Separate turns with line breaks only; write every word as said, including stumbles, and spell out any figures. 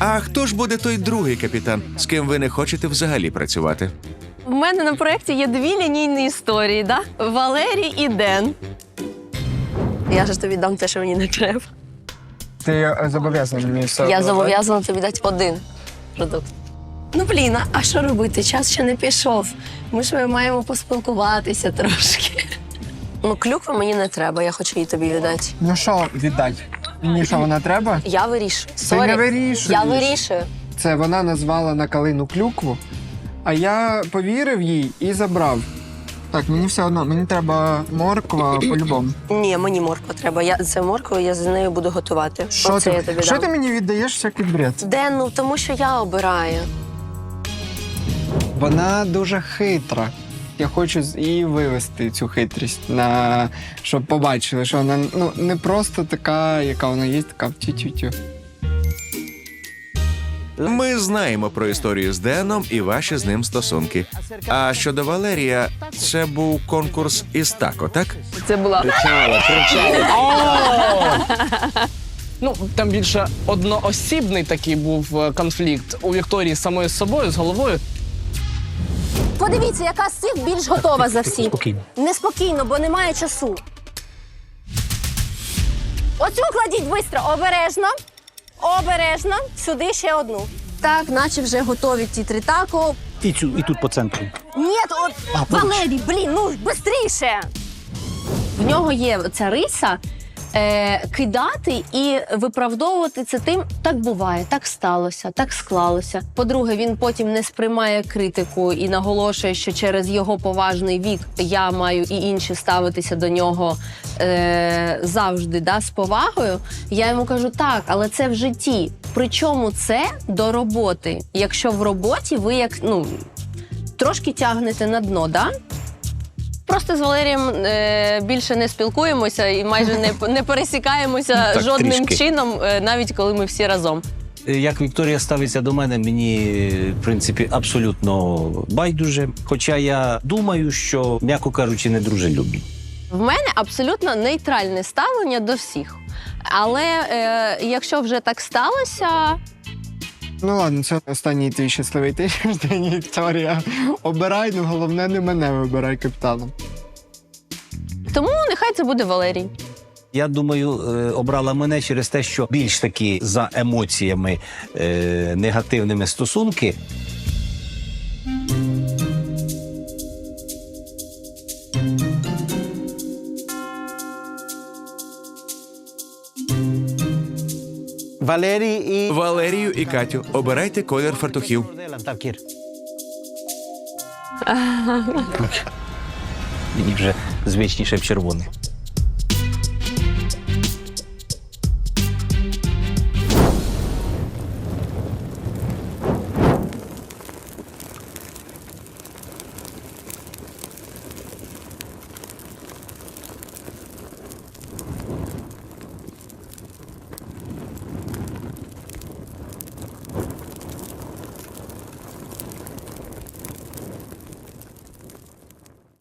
А хто ж буде той другий капітан, з ким ви не хочете взагалі працювати?
У мене на проєкті є дві лінійні історії, да? Валерій і Ден. Я ж тобі дам те, що мені не треба.
Ти е, зобов'язаний мені все.
Я зобов'язана тобі дати один продукт. Ну, блін, а що робити? Час ще не пішов. Ми ж маємо поспілкуватися трошки. Ну, клюкви мені не треба, я хочу її тобі віддати.
Ну що віддати? Мені що, вона треба?
Я вирішую.
Ти
Сорі.
не вирішуєш.
Я вирішую.
Це вона назвала на калину клюкву, а я повірив їй і забрав. Так, мені все одно, мені треба морква по-любому.
Ні, мені морква треба. Я це морква, я з нею буду готувати.
Що
Оце я
ти,
тобі
що
дам.
ти мені віддаєш всякий бред?
Ден, ну тому що я обираю.
Вона дуже хитра. Я хочу з- її вивести, цю хитрість, на... щоб побачили, що вона ну, не просто така, яка вона є, така тю-тю-тю.
Ми знаємо про історію з Деном і ваші з ним стосунки. А щодо Валерія, це був конкурс із тако, так?
Це була
Ну, там більше одноосібний такий був е, конфлікт у Вікторії з самою собою, з головою.
Подивіться, яка з цих більш готова за всіх.
Спокійно.
Неспокійно, бо немає часу. Оцю кладіть швидко, обережно. Обережно. Сюди ще одну. Так, наче вже готові ті три тако.
І, цю, і тут по центру.
Ні, от Валерій, блін, ну швидше. В нього є ця риса е, кидати і виправдовувати це тим, так буває, так сталося, так склалося. По-друге, він потім не сприймає критику і наголошує, що через його поважний вік я маю і інші ставитися до нього е, завжди да, з повагою. Я йому кажу, так, але це в житті. Причому це до роботи. Якщо в роботі ви як, ну, трошки тягнете на дно, да? Просто з Валерієм е, більше не спілкуємося і майже не, не пересікаємося
Так,
жодним
трішки.
чином, е, навіть коли ми всі разом.
Як Вікторія ставиться до мене, мені, в принципі, абсолютно байдуже. Хоча я думаю, що, м'яко кажучи, не дружелюбні.
В мене абсолютно нейтральне ставлення до всіх. Але е, якщо вже так сталося,
Ну ладно, це останній твій щасливий тиждень, Вікторія. Обирай, ну головне не мене вибирай капітаном.
тому нехай це буде Валерій.
Я думаю, е, обрала мене через те, що більш таки за емоціями е, негативними стосунки. Валерій і...
Валерію і Катю, обирайте колір фартухів.
Так, Кір. Мені вже звичніше б червоний.